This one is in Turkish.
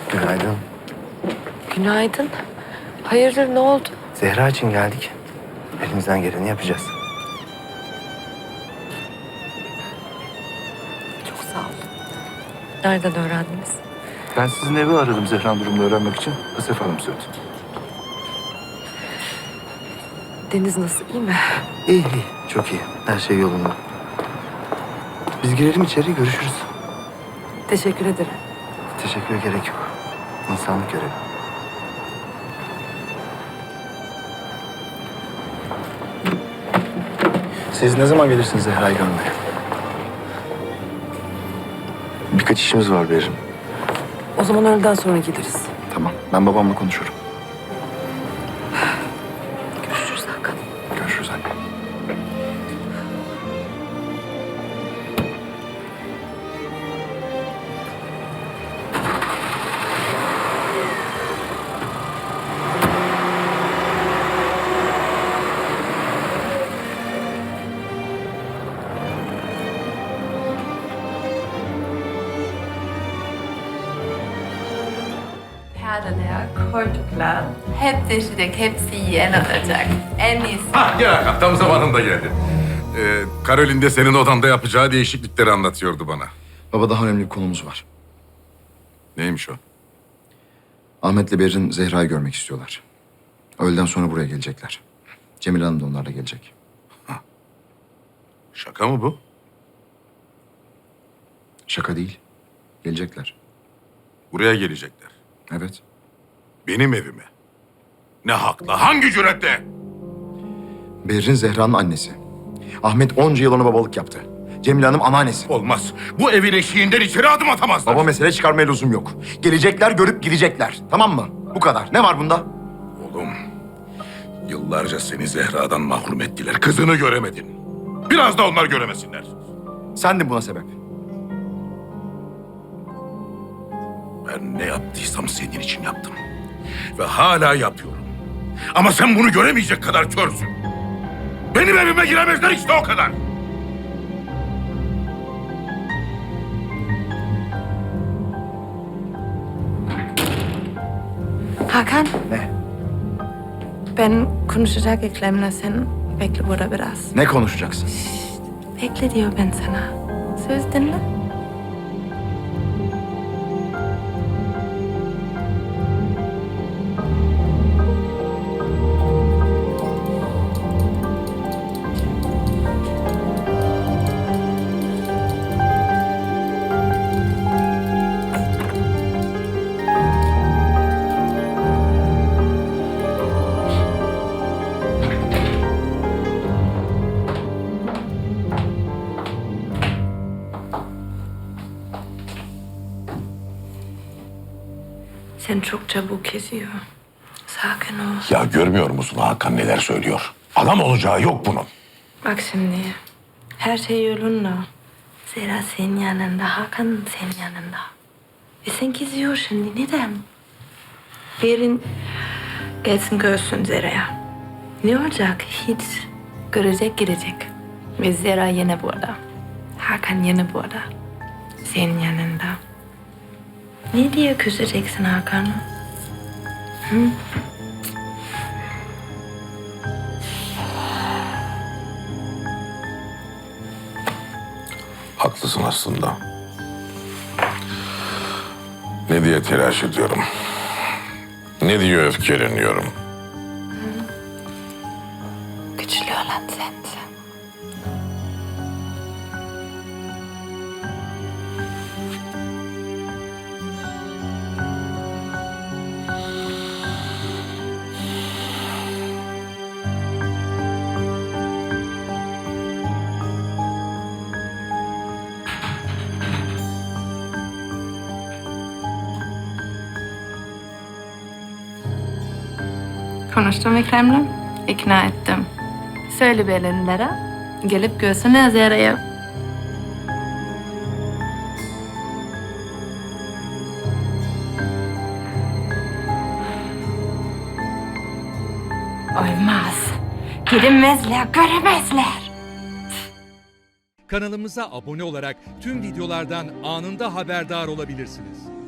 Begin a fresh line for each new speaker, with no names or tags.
Günaydın.
Günaydın. Hayırdır, ne oldu?
Zehra için geldik. Elimizden geleni yapacağız.
Çok sağ olun. Nereden öğrendiniz?
Ben sizin evi aradım Zehra'nın durumunu öğrenmek için. Asef Hanım söyledi.
Deniz nasıl, iyi mi?
İyi, iyi. Çok iyi. Her şey yolunda. Biz girelim içeri, görüşürüz.
Teşekkür ederim.
Teşekküre gerek yok. İnsanlık görevi. Siz ne zaman gelirsiniz Zehra'yı görmeye? Birkaç işimiz var Berrin.
O zaman öğleden sonra gideriz.
Tamam, ben babamla konuşurum.
Görüşürüz Hakan.
Görüşürüz anne.
Perdeler, koltuklar, hep değişecek, hepsi yeni olacak. En iyisi.
Gel Hakan, tam zamanında geldin. Karolin de senin odanda yapacağı değişiklikleri anlatıyordu bana.
Baba daha önemli bir konumuz var.
Neymiş o?
Ahmet'le Berrin Zehra'yı görmek istiyorlar. Öğleden sonra buraya gelecekler. Cemile Hanım da onlarla gelecek.
Şaka mı bu?
Şaka değil. Gelecekler.
Buraya gelecekler.
Evet.
Benim evime. Ne hakla, hangi cüretle?
Berrin Zehra'nın annesi. Ahmet onca yıl ona babalık yaptı. Cemile Hanım anneannesi.
Olmaz. Bu evin eşiğinden içeri adım atamazlar.
Baba mesele çıkarmaya lüzum yok. Gelecekler, görüp gidecekler. Tamam mı? Bu kadar. Ne var bunda?
Oğlum, yıllarca seni Zehra'dan mahrum ettiler. Kızını göremedin. Biraz da onlar göremesinler.
Sen de buna sebep.
Ben ne yaptıysam senin için yaptım. Ve hala yapıyorum. Ama sen bunu göremeyecek kadar körsün. Benim evime giremezler, işte o kadar.
Hakan,
Ne?
ben konuşacak Ekrem'le, sen bekle burada biraz.
Ne konuşacaksın?
Bekle diyor ben sana. Söz dinle. Sen çok çabuk kesiyor. Sakin ol.
Ya görmüyor musun Hakan neler söylüyor? Adam olacağı yok bunun.
Bak şimdi, her şey yolunda. Zehra senin yanında, Hakan senin yanında. Ve sen geziyor şimdi, neden? Berin gelsin görsün Zera'ya. Ne olacak? Hiç. Görecek, gidecek. Ve Zera yine burada. Hakan yine burada. Senin yanında. Ne diye küseceksin Hakan'ı? Hı?
Haklısın aslında. Ne diye telaş ediyorum? Ne diye öfkeleniyorum?
Güçlü olan sensin. Konuştum Ekrem'le, ikna ettim. Söyle Belinlere, gelip görsünler Zera'yı. Olmaz. Giremezler, göremezler.
Kanalımıza abone olarak tüm videolardan anında haberdar olabilirsiniz.